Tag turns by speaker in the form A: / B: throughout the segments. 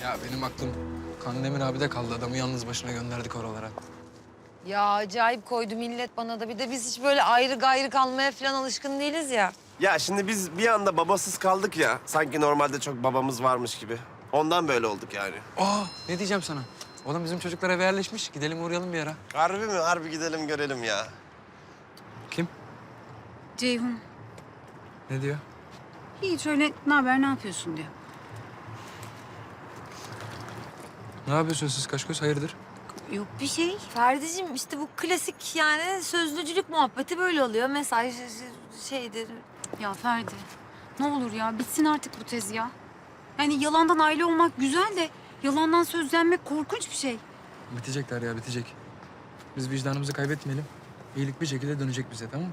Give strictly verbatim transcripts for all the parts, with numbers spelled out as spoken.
A: Ya benim aklım Kandemir abi de kaldı. Adamı yalnız başına gönderdik oralara.
B: Ya acayip koydu millet bana da. Bir de biz hiç böyle ayrı gayrı kalmaya falan alışkın değiliz ya.
C: Ya şimdi biz bir anda babasız kaldık ya. Sanki normalde çok babamız varmış gibi. Ondan böyle olduk yani.
A: Aa ne diyeceğim sana? Oğlum bizim çocuklar eve yerleşmiş. Gidelim uğrayalım bir ara.
C: Harbi mi? Harbi gidelim görelim ya.
A: Kim?
D: Ceyhun.
A: Ne diyor?
D: Hiç öyle ne haber, ne yapıyorsun diyor.
A: Ne yapıyorsunuz siz Kaşköz? Hayırdır?
D: Yok bir şey.
B: Ferdi'cim işte bu klasik yani sözlücülük muhabbeti böyle oluyor. Mesaj şeydir.
D: Ya Ferdi, ne olur ya bitsin artık bu tez ya. Yani yalandan aile olmak güzel de yalandan sözlenmek korkunç bir şey.
A: Bitecekler ya bitecek. Biz vicdanımızı kaybetmeyelim. İyilik bir şekilde dönecek bize, tamam mı?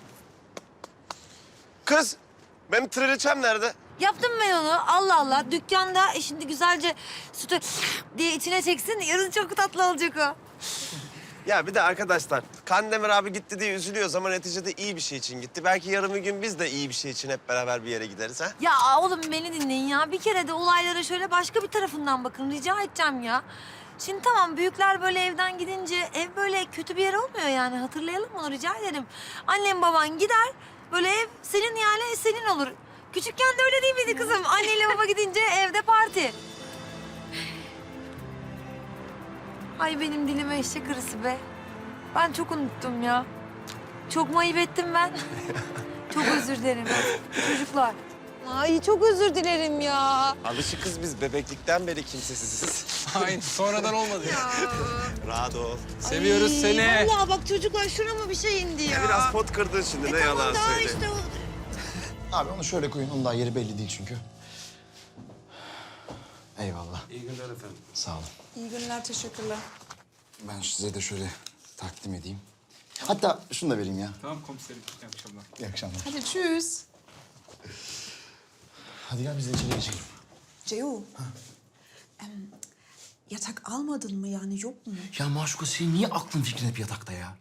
C: Kız, benim triliçem nerede?
B: Yaptım ben onu. Allah Allah. Dükkanda e şimdi güzelce sütü diye içine çeksin. Yarın çok tatlı olacak o.
C: Ya bir de arkadaşlar, Kandemir abi gitti diye üzülüyoruz ama neticede iyi bir şey için gitti. Belki yarın bir gün biz de iyi bir şey için hep beraber bir yere gideriz ha?
B: Ya oğlum beni dinleyin ya. Bir kere de olaylara şöyle başka bir tarafından bakın. Rica edeceğim ya. Şimdi tamam büyükler böyle evden gidince ev böyle kötü bir yer olmuyor yani. Hatırlayalım onu rica ederim. Annem baban gider. Böyle ev senin yani senin olur. Küçükken de öyle değil miydi kızım? Anneyle baba gidince evde parti. Ay benim dilime eşek arısı be. Ben çok unuttum ya. Çok mu ayıp ettim ben? Çok özür dilerim çocuklar. Ay çok özür dilerim ya.
C: Alışık kız biz bebeklikten beri kimsesiziz.
A: Aynen sonradan olmadı ya.
C: Rahat ol.
A: Seviyoruz
B: Ay,
A: seni.
B: Vallahi bak çocuklar şurama bir şey indi ya.
C: Biraz pot kırdın şimdi
B: E
C: ne
B: tamam
C: yalan
B: daha
C: söyle.
B: işte o.
E: Abi onu şöyle koyun. Onun daha yeri belli değil çünkü. Eyvallah.
C: İyi günler efendim.
E: Sağ olun.
F: İyi günler, teşekkürler.
E: Ben size de şöyle takdim edeyim. Hatta şunu da vereyim ya.
A: Tamam komiserim. İyi akşamlar.
E: İyi akşamlar.
F: Hadi tschüss.
E: Hadi gel biz de içeri geçelim.
F: Ceo, em, yatak almadın mı yani yok mu?
E: Ya Maşuka senin niye aklın fikrin hep yatakta ya?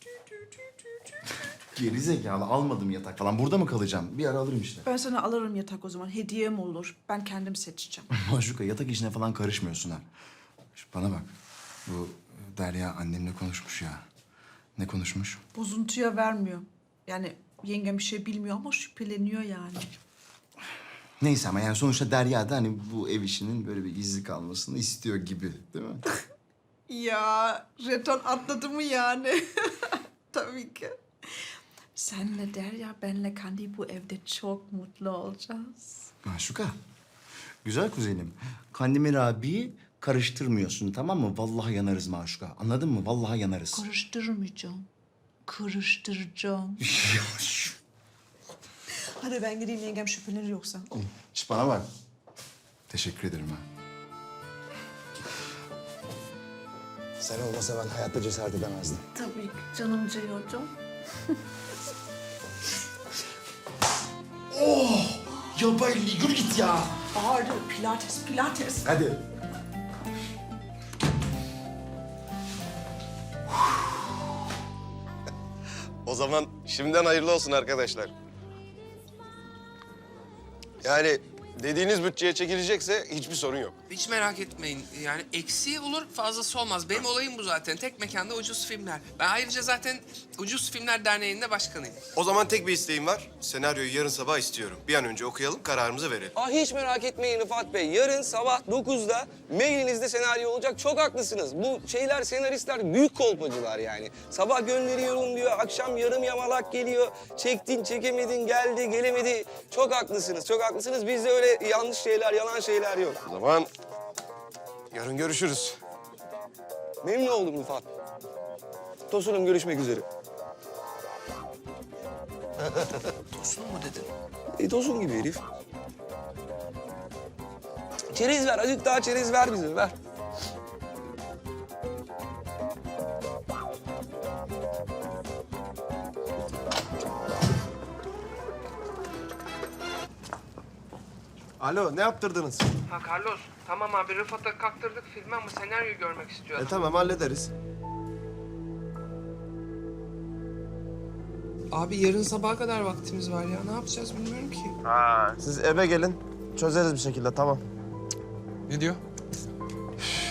E: Geri zekalı almadım yatak falan. Burada mı kalacağım? Bir ara alırım işte.
F: Ben sana alırım yatak o zaman. Hediyem olur. Ben kendim seçeceğim.
E: Maşuka yatak işine falan karışmıyorsun ha. Şu bana bak. Bu Derya annemle konuşmuş ya. Ne konuşmuş?
F: Bozuntuya vermiyor. Yani yengem bir şey bilmiyor ama şüpheleniyor yani.
E: Neyse ama yani sonuçta Derya da hani bu ev işinin böyle bir gizli kalmasını istiyor gibi değil mi?
F: Ya jeton atladı mı yani? Tabii ki. Senle Derya, benle Kandi bu evde çok mutlu olacağız.
E: Maşuka. Güzel kuzenim. Kandemir abiyi karıştırmıyorsun tamam mı? Vallahi yanarız Maşuka. Anladın mı? Vallahi yanarız.
F: Karıştırmayacağım. Karıştıracağım. Hadi ben gideyim yengem şüphelenir yoksa.
E: Şş, bana bak. Teşekkür ederim ha. Sen olmasa ben hayatta cesaret edemezdim.
F: Tabii ki canım Ceyo'cum.
E: Ya ben yürü git ya.
F: Bağırdı. Pilates, pilates.
E: Hadi.
C: O zaman şimdiden hayırlı olsun arkadaşlar. Yani dediğiniz bütçeye çekilecekse hiçbir sorun yok.
G: Hiç merak etmeyin. Yani eksiği olur, fazlası olmaz. Benim olayım bu zaten. Tek mekanda ucuz filmler. Ben ayrıca zaten Ucuz Filmler Derneği'nde başkanıyım.
C: O zaman tek bir isteğim var. Senaryoyu yarın sabah istiyorum. Bir an önce okuyalım, kararımızı verelim.
H: Ah hiç merak etmeyin Rıfat Bey. Yarın sabah dokuzda mailinizde senaryo olacak. Çok haklısınız. Bu şeyler, senaristler büyük kolpacılar yani. Sabah gönderiyorum diyor, akşam yarım yamalak geliyor. Çektin, çekemedin, geldi, gelemedi. Çok haklısınız, çok haklısınız. Bizde öyle yanlış şeyler, yalan şeyler yok.
C: O zaman yarın görüşürüz.
H: Memnun oldum Rıfat. Tosunum, görüşmek üzere.
G: Tosun mu dedin?
H: E tosun gibi herif. Çerez ver, azıcık daha çerez ver bize, ver.
C: Alo, ne yaptırdınız?
G: Ha Carlos, tamam abi Rıfat'a kalktırdık filmi ama senaryo görmek istiyor.
C: E tamam, hallederiz.
G: Abi yarın sabaha kadar vaktimiz var ya. Ne yapacağız bilmiyorum ki.
C: Siz eve gelin, çözeriz bir şekilde, tamam.
A: Ne diyor?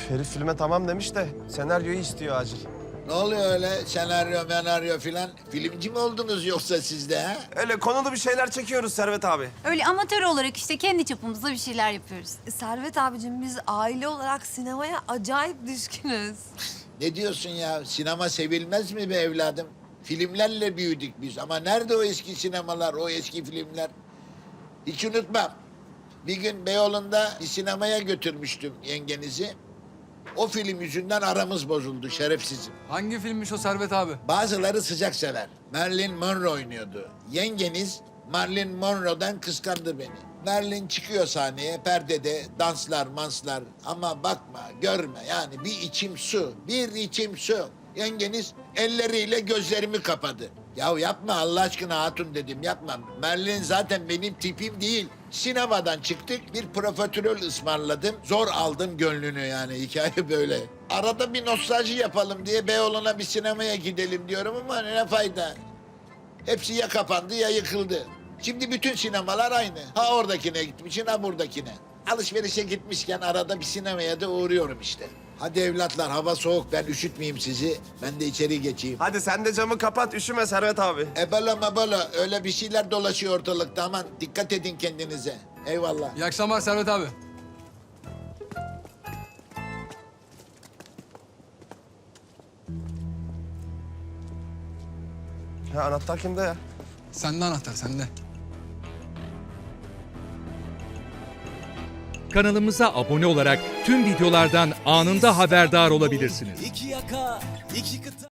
C: Herif filme tamam demiş de senaryoyu istiyor acil.
I: Ne oluyor öyle senaryo menaryo filan? Filmci mi oldunuz yoksa siz de ha?
C: Öyle konulu bir şeyler çekiyoruz Servet abi.
D: Öyle amatör olarak işte kendi çapımızda bir şeyler yapıyoruz.
B: E, Servet abicim biz aile olarak sinemaya acayip düşkünüz.
I: Ne diyorsun ya? Sinema sevilmez mi be evladım? Filmlerle büyüdük biz ama nerede o eski sinemalar, o eski filmler? Hiç unutmam. Bir gün Beyoğlu'nda bir sinemaya götürmüştüm yengenizi. O film yüzünden aramız bozuldu şerefsizim.
A: Hangi filmmiş o Servet abi?
I: Bazıları sıcak sever. Marilyn Monroe oynuyordu. Yengeniz Marilyn Monroe'dan kıskandı beni. Marilyn çıkıyor sahneye, perdede danslar, manslar. Ama bakma, görme yani bir içim su, bir içim su. Yengeniz elleriyle gözlerimi kapadı. Ya yapma Allah aşkına hatun dedim, yapma. Marilyn zaten benim tipim değil. Sinemadan çıktık, bir profiterol ısmarladım. Zor aldım gönlünü yani, hikaye böyle. Arada bir nostalji yapalım diye Beyoğlu'na bir sinemaya gidelim diyorum ama ne fayda. Hepsi ya kapandı ya yıkıldı. Şimdi bütün sinemalar aynı. Ha oradakine gitmişsin ha buradakine. Alışverişe gitmişken arada bir sinemaya da uğruyorum işte. Hadi evlatlar hava soğuk ben üşütmeyeyim sizi. Ben de içeri geçeyim.
C: Hadi sen de camı kapat üşüme Servet abi.
I: Ebola mabola öyle bir şeyler dolaşıyor ortalıkta aman dikkat edin kendinize. Eyvallah.
A: İyi akşamlar Servet abi.
C: Ha anahtar kimde ya?
A: Sende anahtar, sende.
J: Kanalımıza abone olarak tüm videolardan anında haberdar olabilirsiniz.
K: İki yaka, iki kıta.